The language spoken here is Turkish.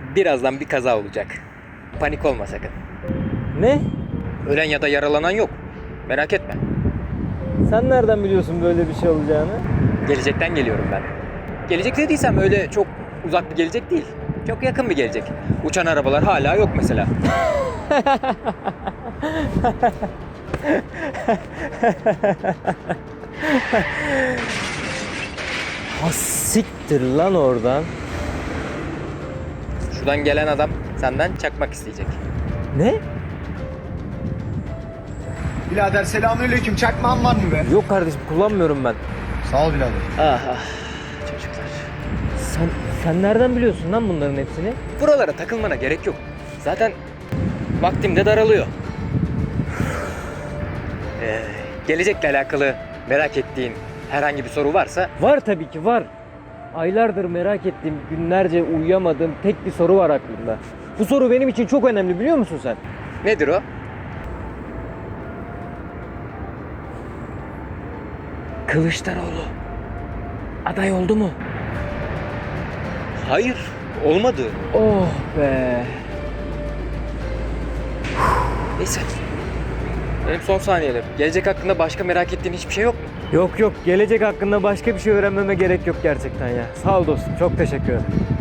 Birazdan bir kaza olacak. Panik olma sakın. Ne? Ölen ya da yaralanan yok. Merak etme. Sen nereden biliyorsun böyle bir şey olacağını? Gelecekten geliyorum ben. Gelecek dediysem öyle çok uzak bir gelecek değil. Çok yakın bir gelecek. Uçan arabalar hala yok mesela. Ha siktir lan oradan. Şuradan gelen adam senden çakmak isteyecek. Ne? Birader selamünaleyküm. Çakmağın var mı be? Yok kardeşim, kullanmıyorum ben. Sağ ol birader. Ah ah çocuklar. Sen nereden biliyorsun lan bunların hepsini? Buralara takılmana gerek yok. Zaten vaktim de daralıyor. Gelecekle alakalı merak ettiğin herhangi bir soru varsa Var tabii ki var. Aylardır merak ettiğim, günlerce uyuyamadığım tek bir soru var aklımda. Bu soru benim için çok önemli, biliyor musun sen? nedir o? Kılıçdaroğlu aday oldu mu? Hayır, olmadı. Oh be. Neyse. Benim son saniyelerim. Gelecek hakkında başka merak ettiğin hiçbir şey yok mu? Yok, gelecek hakkında başka bir şey öğrenmeme gerek yok gerçekten ya. Sağ ol dostum, çok teşekkür ederim.